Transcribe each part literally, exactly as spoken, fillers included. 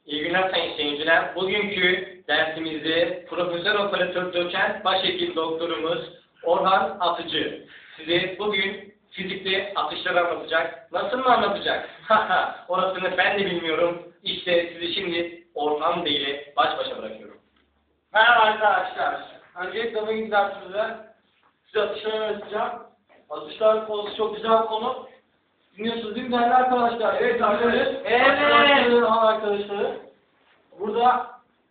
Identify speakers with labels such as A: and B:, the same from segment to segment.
A: İyi günler sayın seyirciler. Bugünkü dersimizde Profesör Operatör Doçent Başhekim Doktorumuz Orhan Atıcı size bugün fizikte atışları anlatacak. Nasıl mı anlatacak? Haha, orasını ben de bilmiyorum. İşte sizi şimdi Orhan Bey ile baş başa bırakıyorum.
B: Merhaba arkadaşlar. Öncelikle bugün dersimizde size atışları öğreteceğim. Atışlar konusu çok güzel bir konu. Dinliyorsunuz değil mi değerli arkadaşlar? Evet arkadaşlar. Evet. Arkadaşları. Burada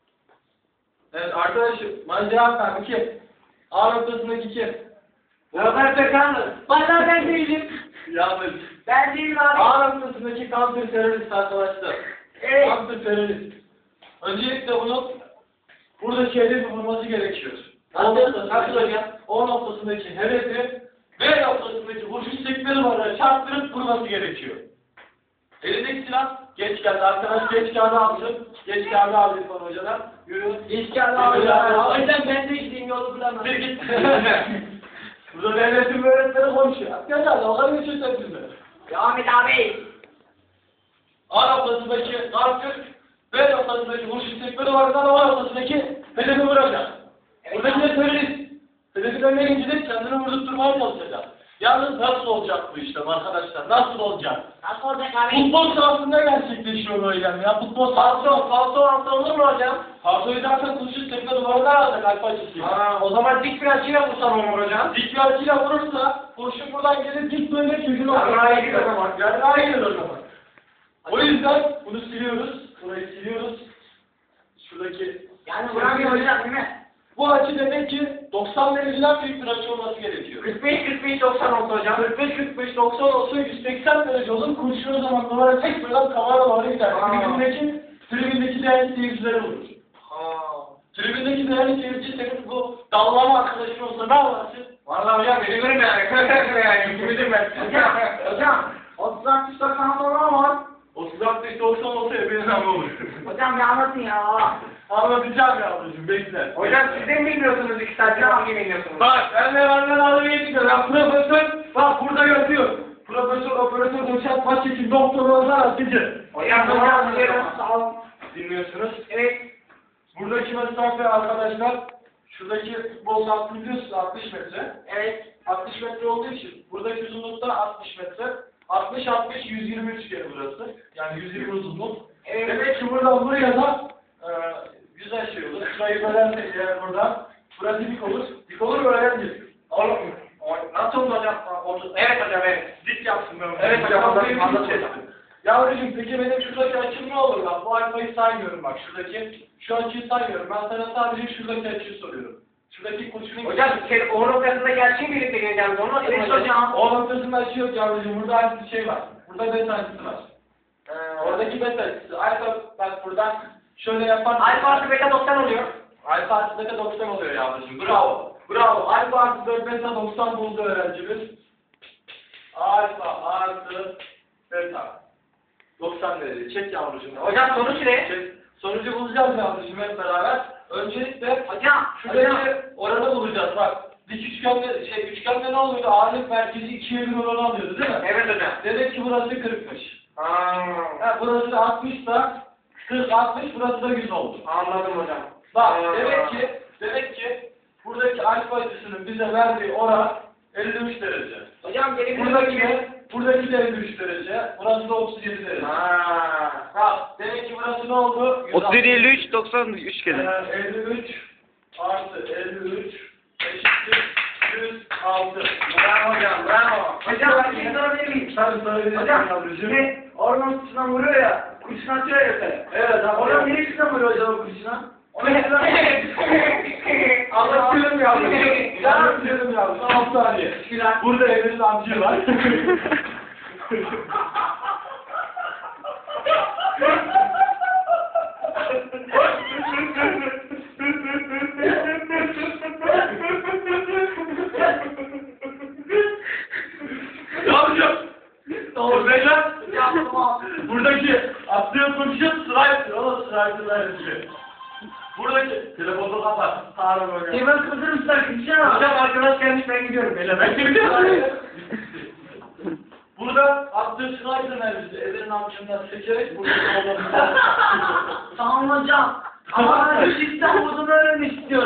B: evet arkadaşım bana cevap ver. Bu kim? A noktasındaki kim?
C: Robert Pekanlı. Valla ben değilim.
B: Yanlış.
C: Ben değilim abi.
B: A noktasındaki counter terörist arkadaşlar.
C: Evet.
B: Counter terörist. Öncelikle bunun burada şeyde bir vurması gerekiyor. O
C: Nasıl?
B: noktasındaki,
C: Nasıl hocam?
B: O noktasındaki hedefi B noktasındaki vuruş sekmeli var çarptırıp vurması gerekiyor. Elindeki silah geç geldi. Arkadaş geç kağıdı alsın. Geç kağıdı aldı İrfan hocadan. Yürü.
C: Geç geldi abi. O yüzden ben de gideyim yolu bulamam.
B: Bir git. Burada devletin öğretmeni konuşuyor. Arkadaşlar dalga geçiyorsun sizinle.
C: Devam et abi.
B: A noktasındaki kartür, B noktasındaki vuruş sekmeli var. O noktasındaki hedefi vuracak. Buradaki de terörist. Hedefin önüne gidecek, kendini vurdurtturmaya çalışacak. Yalnız nasıl olacak bu işlem arkadaşlar? Nasıl olacak?
C: Nasıl olacak abi?
B: Futbol sahasında gerçekleşiyor bu eylem ya. Futbol sahası. Falso, falso altı olur mu hocam? Falsoyu zaten kurşun tekme duvarına alacak alfa açısı.
C: Aa, o zaman dik bir açıyla vursam olur hocam.
B: Dik bir açıyla vurursa kurşun buradan gelir dik böyle çocuğun
C: Yarrağa gidiyor o zaman.
B: Yarrağa gidiyor o zaman. O yüzden bunu siliyoruz. Burayı siliyoruz. Şuradaki...
C: Yani vuramıyor hocam değil mi?
B: Bu açı demek ki doksan dereceden büyük bir açı olması gerekiyor.
C: kırk beş kırk beş doksan oldu hocam.
B: kırk beş kırk beş doksan olsa yüz seksen derece olur. Kurşun o zaman duvara tek böyle kamera doğru gider.
C: Aa.
B: Tribündeki, tribündeki değerli seyircilere vurur.
C: Aa.
B: Tribündeki değerli seyirci senin bu dallama arkadaşın olsa ne yaparsın?
C: Vallahi hocam beni görün yani. yani. Gibidir ben. Hocam, hocam. otuz altmış doksan sonra ama.
B: otuz altmış doksan olsa ebeniz ama olur.
C: Hocam bir anlatın ya.
B: Anlatacağım yavrucuğum bekle.
C: Hocam siz de mi bilmiyorsunuz iki saatte hangi bilmiyorsunuz?
B: Bak ben de benden alıp geçiyorum. Ben profesör, bak burada yazıyor. Profesör, operatör, doçent, başhekim, doktor, Orhan Atıcı.
C: Hocam hocam hocam sağ olun.
B: Dinliyorsunuz.
C: Evet.
B: Buradaki mesafe arkadaşlar, şuradaki futbol sahası biliyorsunuz altmış metre.
C: Evet.
B: altmış metre olduğu için buradaki uzunlukta altmış metre. altmış altmış yüz yirmi üç kere burası. Yani yüz yirmi uzunluk.
C: Evet.
B: Demek ki buradan buraya da e, güzel şey olur. Şurayı bölersek eğer buradan, burası dik olur. Dik olur mu öğrenci?
C: Olur mu? Nasıl oldu hocam? Oldu. Evet hocam evet.
B: Dik yapsın ben.
C: Evet hocam, anladım, anladım.
B: Yavrucuğum peki benim şuradaki açım ne olur bak? Bu alfayı saymıyorum bak. Şuradaki, şu açıyı saymıyorum. Ben sana sadece şuradaki açıyı soruyorum. Şuradaki kurşunun...
C: Hocam şey, o noktasındaki açıyı birlikte geleceğim. Onu nasıl
B: Evet
C: hocam?
B: O noktasında açı yok yavrucuğum. Burada aynı bir şey var. Burada beta açısı var.
C: Ee,
B: Oradaki beta açısı. Alfa bak buradan şöyle yaparsan...
C: Alfa artı beta doksan oluyor.
B: Alfa artı beta doksan oluyor yavrucuğum. Bravo. Bravo. Alfa artı dört beta doksan buldu öğrencimiz. Alfa artı beta. doksan derece. Çek yavrucuğum.
C: Hocam sonuç ne?
B: Çek. Sonucu bulacağız yavrucuğum hep beraber. Öncelikle
C: Hocam.
B: şuradaki
C: Hocam.
B: oranı bulacağız bak. Dik üçgende, şey üçgende ne oluyordu? Ağırlık merkezi ikiye bir oranı alıyordu değil mi?
C: Evet hocam.
B: Demek ki burası kırkmış.
C: Aa,
B: Ha, burası da altmış da kırk altmış burası da yüz oldu.
C: anladım hocam.
B: Bak
C: Aa.
B: demek ki demek ki buradaki alfa açısının bize verdiği oran elli üç derece.
C: Hocam geri
B: Buradaki de buradaki de elli üç derece. Burası da otuz yedi derece.
C: Aa.
B: Bak demek ki burası ne oldu?
D: otuz yedi elli üç doksan üç kere.
B: Ee, elli üç artı elli üç eşittir yüz altı.
C: Bravo hocam, bravo. Hocam bir şey sorabilir miyim?
B: Tabii sorabilirsin
C: Hocam,
B: yavrucuğum.
C: şimdi orman kutusuna vuruyor ya, kurşun atıyor ya yukarı.
B: Evet abi.
C: Orman neresine vuruyor hocam o kurşuna?
B: Anlatıyorum yavrucuğum. Anlatıyorum yavrucuğum. altı saniye. Burada Emre'nin amcı var. Yavrucuğum. Orada buradaki attığı kurşun sıraytır. O da sıraytır. Buradaki telefonu kapat. Sağ böyle.
C: Hemen kıvırır mısın arkadaşlar?
B: Hocam arkadaş gelmiş ben gidiyorum. Beyler ben gidiyorum. Burada attığı sıraytır mevzusu. Evrenin amcından seçerek burada olmamız lazım.
C: hocam. Ama ben sistem vurduğunu öğrenmek istiyorum.